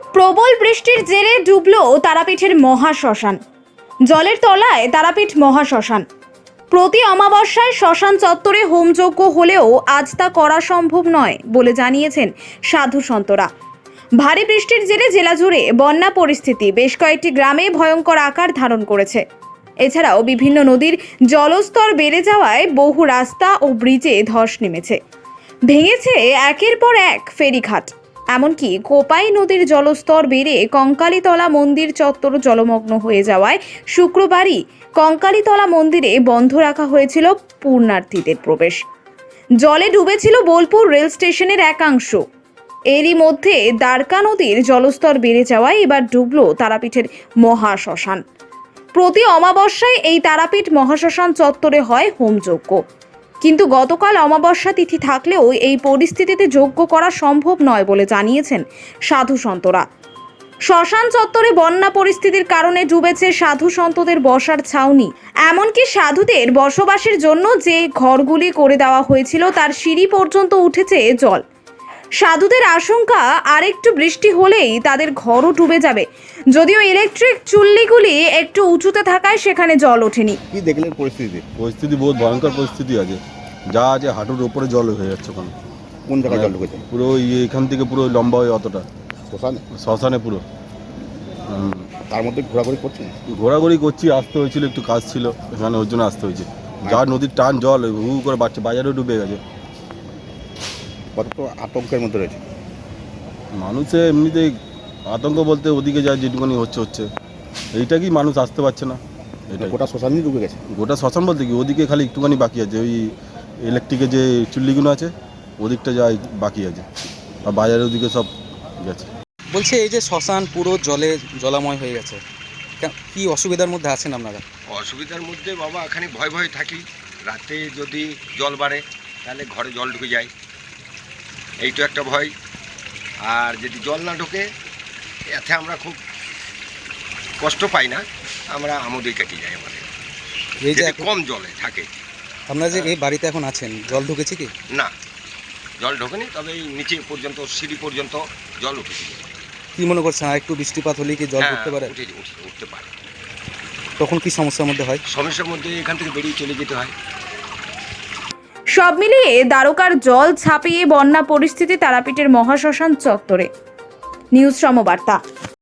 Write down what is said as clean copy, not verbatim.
প্রবল বৃষ্টির জেরে ডুবল তারাপীঠের মহাশ্মশান। জলের তলায় তারাপীঠ মহাশ্মশান। প্রতি অমাবস্যায় শ্মশান চত্বরে হোমযজ্ঞ হলেও আজ তা করা সম্ভব নয় বলে জানিয়েছেন সাধু সন্তরা। ভারী বৃষ্টির জেরে জেলা জুড়ে বন্যা পরিস্থিতি বেশ কয়েকটি গ্রামে ভয়ঙ্কর আকার ধারণ করেছে। এছাড়াও বিভিন্ন নদীর জলস্তর বেড়ে যাওয়ায় বহু রাস্তা ও ব্রিজে ধস নেমেছে। ভেঙেছে একের পর এক ফেরিঘাট। এমনকি কোপাই নদীর জলস্তর বেড়ে কঙ্কালীতলা মন্দির চত্বর জলমগ্ন হয়ে যাওয়ায় শুক্রবারই কঙ্কালীতলা মন্দিরে বন্ধ রাখা হয়েছিল পূর্ণার্থীদের প্রবেশ। জলে ডুবেছিল বোলপুর রেল স্টেশনের একাংশ। এরই মধ্যে দ্বারকা নদীর জলস্তর বেড়ে যাওয়ায় এবার ডুবল তারাপীঠের মহাশ্মশান। প্রতি অমাবস্যায় এই তারাপীঠ মহাশ্মশান চত্বরে হয় হোমযজ্ঞ, কিন্তু গতকাল অমাবস্যা তিথি থাকলেও এই পরিস্থিতিতে যজ্ঞ করা সম্ভব নয় বলে জানিয়েছেন সাধু সন্তরা। শ্মশান চত্বরে বন্যা পরিস্থিতির কারণে ডুবেছে সাধু সন্তদের বসার ছাউনি। এমনকি সাধুদের বসবাসের জন্য যে ঘরগুলি করে দেওয়া হয়েছিল তার সিঁড়ি পর্যন্ত উঠেছে জল। সাধুদের আশঙ্কা আরেকটু বৃষ্টি হলেই তাদের ঘরও ডুবে যাবে। যদিও ইলেকট্রিক চুল্লিগুলি একটু উঁচুতে থাকায় সেখানে জল ওঠেনি। কি দেখলেন পরিস্থিতি বহুত ভয়ঙ্কর পরিস্থিতি আছে, যা আছে হাঁটুর উপরে জল হয়ে যাচ্ছে। কোন জায়গায় জল ঢুকেছে? পুরো এখান থেকে পুরো লম্বা হয়ে অতটা শ্মশানে পুরো। তার মধ্যে ঘোরাঘুরি করছি, আসতে হয়েছিল, একটু কাজ ছিল এখানে, ওর জন্য আসতে হয়েছে। যা নদীর টান জল হু করে বাড়ছে, বাজারেও ডুবে গেছে। কত আতঙ্কের মধ্যে রয়েছে মানুষে, এমনিতেই আতঙ্ক বলতে ওদিকে যা যেটুকুনি হচ্ছে এইটা কি মানুষ আসতে পারছে না। এটা গোটা শ্মশানই ডুবে গেছে। গোটা শ্মশান বলতে কি ওদিকে খালি একটুখানি বাকি আছে, ওই ইলেকট্রিকের যে চুল্লিগুলো আছে ওদিকটা যা বাকি আছে, আর বাজারের ওদিকে সব গেছে। বলছে এই যে শ্মশান পুরো জলে জলাময় হয়ে গেছে, কি অসুবিধার মধ্যে আছেন আপনারা? অসুবিধার মধ্যে বাবা এখানে ভয় থাকি। রাতে যদি জল বাড়ে তাহলে ঘরে জল ঢুকে যায়, এই তো একটা ভয়। আর যদি জল না ঢোকে এতে আমরা খুব কষ্ট পাই না, আমরা আমোদেই কেটে যাই আমাদের। এই যে কম জলে থাকে। আপনারা যে এই বাড়িতে এখন আছেন, জল ঢুকেছে কি? না, জল ঢোকেনি, তবে এই নিচে পর্যন্ত সিঁড়ি পর্যন্ত জল উঠেছে। কি মনে করছেন আর একটু বৃষ্টিপাত হলে কি জল উঠতে পারে? উঠতে পারে। তখন কি সমস্যার মধ্যে হয়? সমস্যার মধ্যে এখান থেকে বেরিয়ে চলে যেতে হয়। সব মিলিয়ে দ্বারকার জল ছাপিয়ে বন্যা পরিস্থিতি তারাপীঠের মহাশ্মশান চত্বরে। নিউজ সমবার্তা।